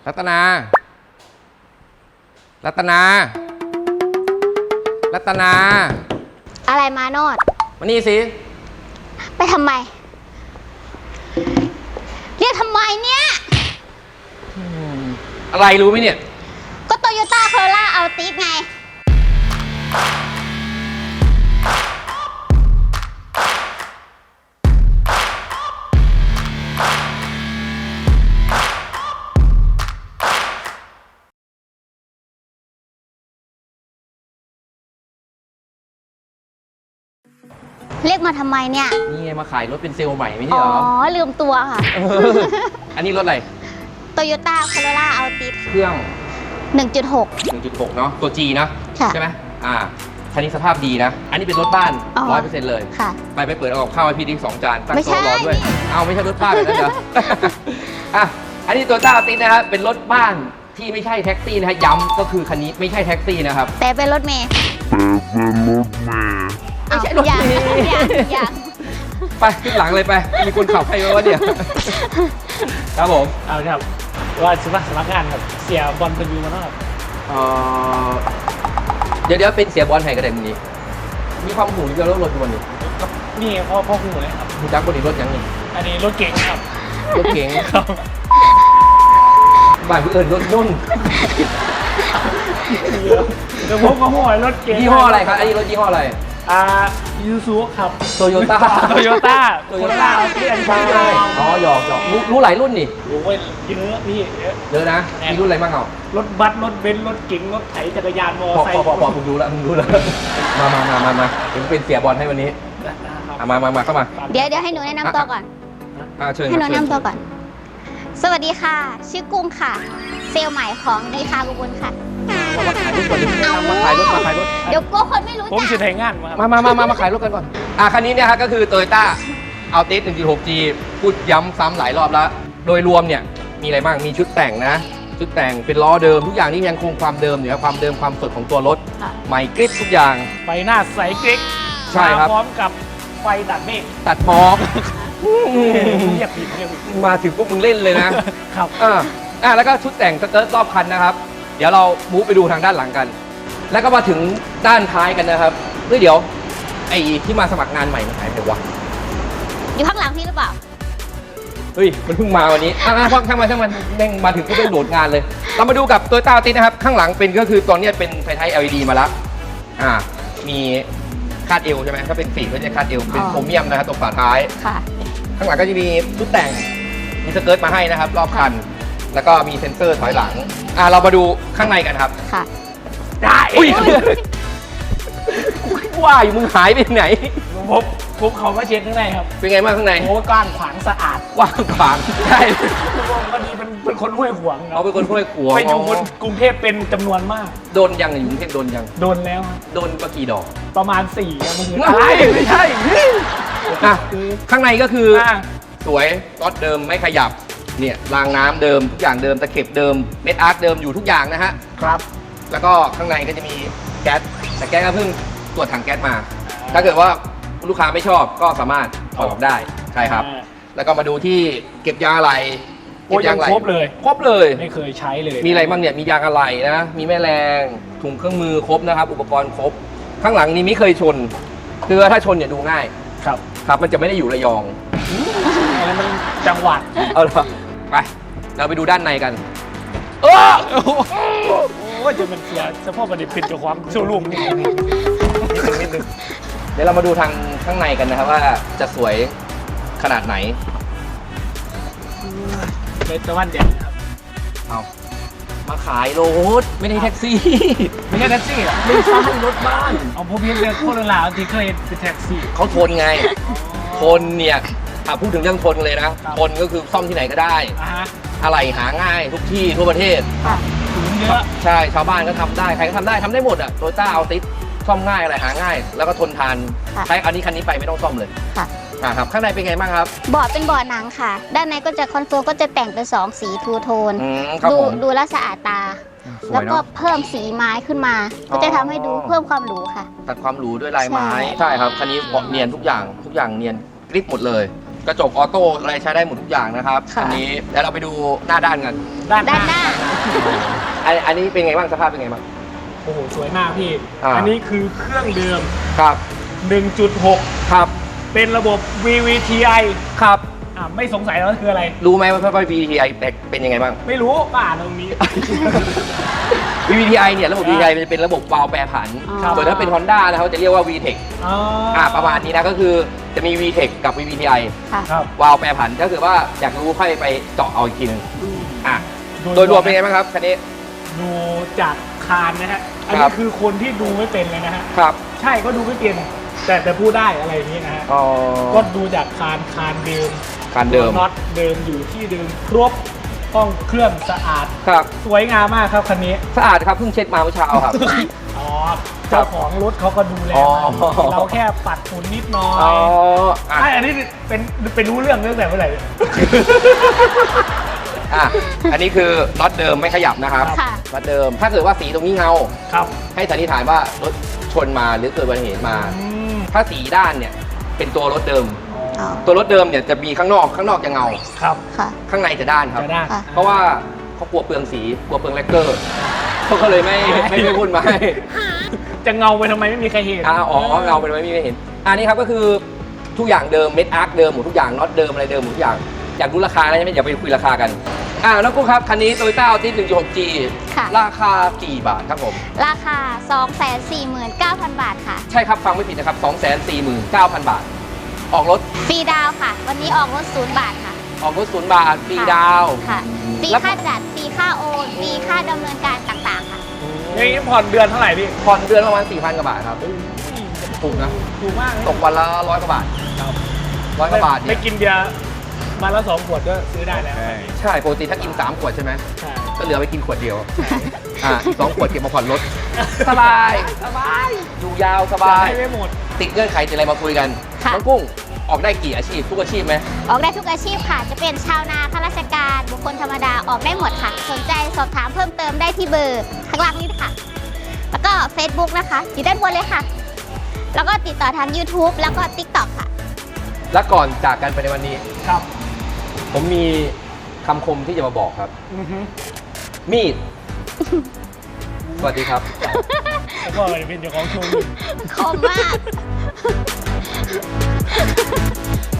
รัตนา รัตนา รัตนาอะไรมาโนดมานี่สิไปทำไม เรียกทำไมเนี่ยอะไรรู้ไหมเนี่ยก็โตโยต้าโคโรล่าอัลติสไง เรียกมาทำไมเนี่ยนี่ไงมาขายรถเป็นเซลล์ใหม่ไม่อ๋ใช่อเหรอลืมตัวค่ะอันนี้รถอะไรโตโยต้าโคโรล่าอัลติสเครื่อง 1.6 1.6 เนาะ ตัว G นะค่ะใช่ไหมคันนี้สภาพดีนะ อันนี้เป็นรถบ้านอ๋อ 100%เลยค่ะไปเปิดเอากับข้าวให้พี่ดิ2 จานตั้งไม่ใช่โต๊ะรอด้วยนี่เอาไม่ใช่รถบ้านนะเดี๋ยว อันนี้ตัวต้าติดนะครับเป็นรถบ้านที่ไม่ใช่แท็กซี่นะฮะย้ำก็คือคันนี้ไม่ใช่แท็กซี่นะครับแต่เป็นรถเมย์ไม่ใช่รถเมย์อย่างไปขึ้นหลังเลยไป มีคนขับให้วะเนี่ย ครับผมเอาครับว่าสมัครงานครับเสียบอลเป็นยูมาแล้วครับเอ่อเดี๋ยวเป็นเสียบอลไห้กระเด็นนี้ มีความหูเกี่ยวกับรถทุกวันนี้นี่พ่อหูเลยครับมีจักรบนรถยังนี่อันนี้รถเก๋งครับรถเก๋งครับบ้านผู้อื่นรถนุ่นเดี๋ยวผมก็หัวรถเก๋งยี่ห้ออะไรครับ อันนี้รถยี่ห้ออะไรยูซูครับโตโยต้าโตโยต้าโตโยต้าที่อันใช่นี้อ๋อหยอกรู้หลายรุ่นนี่โอ้ยเยอะพี่เยอะเยอะนะ มีรุ่นอะไรบ้างเอารถบัสรถเบนซ์รถเก๋งรถไถจักรยานมอพอไซค์ผมรู้แล้วมาเดี๋ยวเป็นเสียบอลให้วันนี้มาเข้ามาเดี๋ยวให้หนูแนะนำตัวก่อนเชิญให้หนูแนะนำตัวก่อน สวัสดีค่ะ ชื่อกุ้งค่ะ เซลล์ใหม่ของนิทากุบุญค่ะมาขายรถก่อนมาขายรถเดี๋ยวกลัวคนไม่รู้ผมจัจะกถ่ายงานมาครับมาขายรถกันก่อนคันนี้เนี่ยฮะก็คือ Toyota Altis 1.6G พูดย้ำซ้ำหลายรอบแล้ว โดยรวมเนี่ยมีอะไรบ้าง มีชุดแต่งนะ ชุดแต่งเป็นล้อเดิมทุกอย่างนี่ยังคงความเดิมอยู่ครับความเดิมความสดของตัวรถค่ะใหม่กริบทุกอย่างไฟหน้าใสเก๊กใช่ครับมาพร้อมกับไฟตัดเมฆตัดหมอกเรียกผิดมาถึงพวกมึงเล่นเลยนะครับแล้วก็ชุดแต่งสเกิร์ตรอบคันนะครับ เดี๋ยวเรามูฟไปดูทางด้านหลังกัน แล้วก็มาถึงด้านท้ายกันนะครับเดี๋ยวไอ้ที่มาสมัครงานใหม่มันหายไปวะอยู่ข้างหลังพี่หรือเปล่าเฮ้ยมันเพิ่งมาวันนี้ช่างมันแม่งมาถึงก็ต้องโดดงานเลย เรามาดูกับตัวต้าติดนะครับข้างหลังเป็นก็คือตอนนี้เป็นไฟท้าย LED มาแล้วมีคาดเอวใช่ไหมถ้าเป็นสีก็จะคาดเอวเป็นโครเมียมนะครับตรงฝาท้ายค่ะข้างหลังก็จะมีชุดแต่งมีสเกิร์ตมาให้นะครับ รอบคัน แล้วก็มีเซ็นเซอร์ถอยหลังเรามาดูข้างในกันครับค่ะได้ว่าอยู่มึงหายไปไหนผมเขามาเช็ดข้างในครับเป็นไงบ้างข้างในโอ้กว้างขวางสะอาดกว้างขวางใช่พอดีเป็นคนห้วยขวางครัเขาเป็นคนห้วยขวางไปอยู่บนกรุงเทพเป็นจำนวนมากโดนยังอยู่กรุงเทพโดนยังโดนแล้วครับโดนประกี่ดอกประมาณ4ครับมันคือไม่ใช่ข้างในก็คือสวยก๊อตเดิมไม่ขยับเนี่ยรางน้ำเดิมทุกอย่างเดิมตะเข็บเดิมเม็ดอาร์ตเดิมอยู่ทุกอย่างนะฮะครับแล้วก็ข้างในก็จะมีแก๊สแต่แก๊สก็เพิ่งตรวจถังแก๊สมา ถ้าเกิดว่าลูกค้าไม่ชอบก็สามารถถอดออกได้ใช่ครับ แล้วก็มาดูที่เก็บยางอะไหล่โอ้ยยังครบเลยครบเลยไม่เคยใช้เลยมีอะไรบ้างเนี่ยมียางอะไหล่นะมีแม่แรงถุงเครื่องมือครบนะครับ อุปกรณ์ครบ ข้างหลังนี้ไม่เคยชนคือถ้าชนเนี่ยดูง่ายครับครับมันจะไม่ได้อยู่ระยองอันนั้นมันจังหวัดเอาละไปเราไปดูด้านในกันโอ้ยจะเป็นเสียเฉพาะประเด็นเป็นเจ้าความโชว์รูมนี่นิดนึงเดี๋ยวเรามาดูทางข้างในกันนะครับว่าจะสวยขนาดไหนเป็นตะวันเด่นครับเอามาขายรถไม่ได้แท็กซี่ไม่ใช่แท็กซี่เหรอไม่ใช่รถบ้านเอาพวกพี่เรียกโคตรลาวที่เคยเป็นแท็กซี่เขาทนไง ทนเนี่ยพูดถึงเรื่องทนเลยนะ ทนก็คือซ่อมที่ไหนก็ได้ฮะอะไรหาง่ายทุกที่ทั่วประเทศถุงเยอะใช่ชาวบ้านก็ทำได้ใครก็ทำได้หมดอ่ะโตโยต้าเอาติสซ่อมง่ายอะไรหาง่าย แล้วก็ทนทานค่ะใช้คันนี้ไปไม่ต้องซ่อมเลยค่ะครับข้างในเป็นไงบ้างครับบอร์ดเป็นบอร์ดหนังค่ะ ด้านในก็จะคอนโซลก็จะแต่งเป็น2สีทูโทนครับดูผมดูแลวสะอาดตาสวยเนอะแล้วก็เพิ่มสีไม้ขึ้นมา ก็จะทำให้ดูเพิ่มความหรูค่ะตัดความหรูด้วยลายไม้ใช่ใช่ครับคันนี้เนียนทุกอย่างเนียนกริบหมดเลยกระจกออโต้อะไรใช้ได้หมดทุกอย่างนะครับค่ะอันี้แล้วเราไปดูหน้าด้านกันด้านด้านหน้าอันนี้เป็นไงบ้างสภาพเป็นไงบ้างโอ้โหสวยมากพี่อ่าอันนี้คือเครื่องเดิมครับ 1.6 ครับเป็นระบบ VVTi ครับไม่สงสัยแล้วคืออะไรรู้ไหมว่า VVTi เป็นยังไงบ้างไม่รู้ก็อ่านตรงนี้ VVTi เนี่ยระบบ VVTi มันจะเป็นระบบวาล์วแปรผันครับส่วนถ้าเป็น Honda นะเขาจะเรียกว่า VTEC อ๋อประมาณนี้นะก็คือจะมี VTEC กับ VVTi ค่ะครับวาล์วแปรผันถ้าเกิดว่าอยากรู้ค่อยไปเจาะเอาอีกทีหนึงอ่ะโดยรวมเป็นไงบ้างครับคันนี้ดูจากคานนะฮะ อันครันี้บคือคนที่ดูไม่เป็นเลยนะฮะครับใช่ก็ดูไม่เป็นแต่พูดได้อะไรอย่างนี้นะฮะอ๋อก็ดูจากคานเดิมการเดิมน็อตเดิมอยู่ที่เดิมครบห้องเครื่องสะอาดครับสวยงามมากครับคันนี้สะอาดครับเพิ่งเช็ดมาเมื่อเช้าครับอ๋อเจ้าของรถเขาก็ดูแลอ๋อมาเราแค่ปัดฝุ่นนิดหน่อยอ๋ออ่ะอันนี้เป็นรู้เรื่องตั้งแต่เมื่อไหร่อ่ะอันนี้คือน็อตเดิมไม่ขยับนะครับค่ะน็อตเดิมถ้าเกิดว่าสีตรงนี้เงาครับให้สันนิษฐานว่ารถชนมาหรือเกิดอุบัติเหตุมาอืมถ้าสีด้านเนี่ยเป็นตัวรถเดิมอ๋อตัวรถเดิมเนี่ยจะมีข้างนอกจะเงาครับค่ะข้างในจะด้านครับจะได้ค่ะเพราะว่าเขากลัวเปลืองสีกลัวเปลืองแลกเกอร์เขาก็เลยไม่พูดมาให้จะเงาไปทำไมไม่มีใครเห็นอ๋อเงาเป็นไม่มีใครเห็นอันนี้ครับก็คือทุกอย่างเดิมเม็ดอาร์คเดิมหมดทุกอย่างน็อตเดิมอะไรเดิมหมดทุกอย่างอยากรู้ราคาแล้วใช่ไหมอย่าไปคุยราคากันน้องกุ้งครับคันนี้ Toyota Altis 1.6G ค่ะราคากี่บาทครับผมราคา 249,000 บาทค่ะใช่ครับฟังไม่ผิดนะครับ 249,000 บาท ออกรถฟรีดาวน์ค่ะ วันนี้ออกรถ0 บาทค่ะออกรถ0 บาทฟรีดาวน์ค่ะ ฟรีแล้วค่าจัด ฟรีค่าโอน ฟรีค่าดำเนินการต่างๆค่ะอย่างนี้ผ่อนเดือนเท่าไหร่พี่ผ่อนเดือนประมาณ 4,000 กว่าบาทครับถูกนะถูกมากเลยตกวันละ100 กว่าบาทครับ 100 กว่าบาทเนี่ไม่ยกินเบียร์มาละ2 ขวดก็ซื้อได้แล้วใช่ปกติถ้ากิน 3 ขวดใช่ไหมใช่ก็เหลือไปกินขวดเดียวอีก2 ขวดเก็บมาผ่อนรถ สบาย อยู่ยาวสจะบายให้ไม่หมดติดเงื่อนไขติดอะไรมาคุยกันค่ะน้องกุ้งออกได้กี่อาชีพทุกอาชีพไหมออกได้ทุกอาชีพค่ะ จะเป็นชาวนาข้าราชการ บุคคลธรรมดา ออกได้หมดค่ะ สนใจสอบถามเพิ่มเติมได้ที่เบอร์ข้างล่างนี้ค่ะ แล้วก็ Facebook นะคะ อยู่ด้านบนเลยค่ะ แล้วก็ติดต่อทาง YouTube แล้วก็ TikTok ค่ะและก่อนจากกันไปในวันนี้ครับผมมีคำคมที่จะมาบอกครับอือฮึมีด สวัสดีครับแล้วก็เป็นเจ้าของโชว์รูมคมมาก